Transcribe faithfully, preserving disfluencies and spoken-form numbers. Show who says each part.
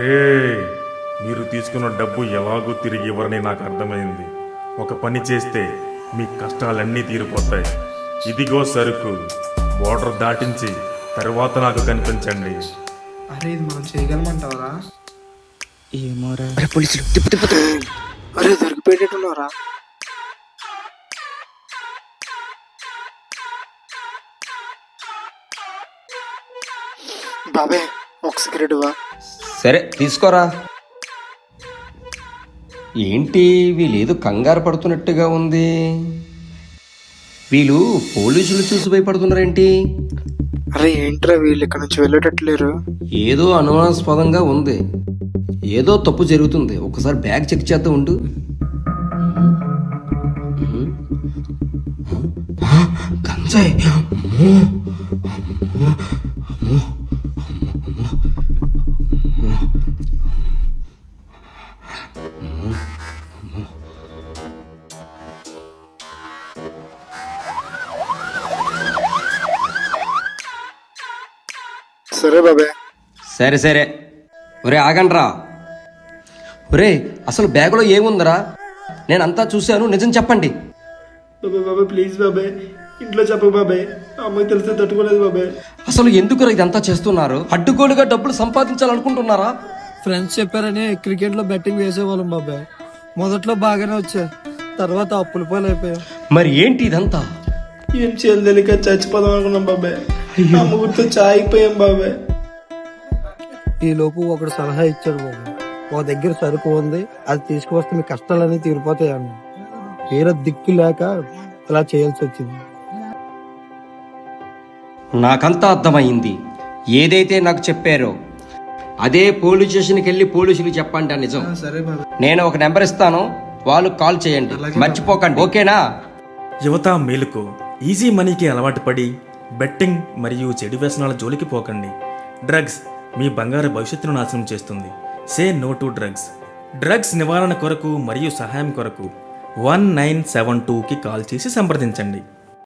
Speaker 1: రే, మీరు తీసుకున్న డబ్బు ఎలాగో తిరిగి ఇవ్వరని నాకు అర్థమైంది. ఒక పని చేస్తే మీ కష్టాలన్నీ తీరిపోతాయి. ఇదిగో సరుకు, బోర్డర్ దాటించి తర్వాత నాకు కనిపించండి.
Speaker 2: అరే ఇది మనం చేయగలమంటావరా?
Speaker 3: ఏమోరా.
Speaker 4: అరే పోలీసులు తిప్పు తిప్పు తిప్పు.
Speaker 2: అరే దొరికిపోయేటట్టున్నారా? బాబే ఒక సిగరెట్ వా.
Speaker 4: సరే తీసుకోరా. ఏంటి వీళ్ళేదో కంగారు పడుతున్నట్టుగా ఉంది. వీళ్ళు పోలీసులు చూసి భయపడుతున్నారేంటి?
Speaker 2: అరే ఏంట్రా వీళ్ళు ఇక్కడ నుంచి వెళ్ళేటట్లేరు?
Speaker 4: ఏదో అనుమానాస్పదంగా ఉంది. ఏదో తప్పు జరుగుతుంది. ఒకసారి బ్యాగ్ చెక్ చేద్దాం ఉండు. గంజాయి.
Speaker 2: సరే బాబే.
Speaker 4: సరే సరే. ఒరే ఆగండ్రా. ఒరే అసలు బ్యాగులో ఏముందిరా? నేనంతా చూశాను, నిజం చెప్పండి.
Speaker 2: బాబే బాబే ప్లీజ్ బాబే, ఇంట్లో చెప్పు బాబే, అమ్మకి తెలిస్తే తట్టుకోలేదు బాబే.
Speaker 4: అసలు ఎందుకు ఇదంతా చేస్తున్నారు? అడ్డుగోలుగా డబ్బులు సంపాదించాలనుకుంటున్నారా?
Speaker 5: ఫ్రెండ్స్ చెప్పారని క్రికెట్ లో బెట్టింగ్ వేసేవాళ్ళం బాబాయ్. మొదట్లో బాగానే వచ్చా, తర్వాత అప్పుల పాలు అయిపోయా.
Speaker 4: మరి ఏంటి ఇదంతా?
Speaker 2: ఏం చేయాలి తెలియక చచ్చిపోదాం అనుకున్నాం బాబాయ్. అమ్మ గుర్తు చాయిపోయాం బాబాయ్.
Speaker 5: ఈ లోపు ఒకడు సలహా ఇచ్చాడు బాబాయ్. ఒక దగ్గర సరుకు ఉంది, అది తీసుకువస్తే మీ కష్టాలన్నీ తీరిపోతాయి అన్న. వేరే దిక్కు లేక ఇలా చేయాల్సి వచ్చింది.
Speaker 4: నాకంతా అర్థమైంది. ఏదైతే నాకు చెప్పారో అదే పోలీస్ స్టేషన్కి వెళ్ళి పోలీసులు చెప్పండి. నిజం.
Speaker 2: సరే బాబాయ్.
Speaker 4: నేను ఒక నెంబర్ ఇస్తాను, వాళ్ళు కాల్ చేయండి. మర్చిపోకండి, ఓకేనా?
Speaker 1: యువత మేలుకు. ఈజీ మనీకి అలవాటు పడి బెట్టింగ్ మరియు చెడు వ్యసనాల జోలికి పోకండి. డ్రగ్స్ మీ బంగారు భవిష్యత్తును నాశనం చేస్తుంది. Say no to drugs. Drugs నివారణ కొరకు మరియు సహాయం కొరకు వన్ నైన్ సెవెన్ టూకి కాల్ చేసి సంప్రదించండి.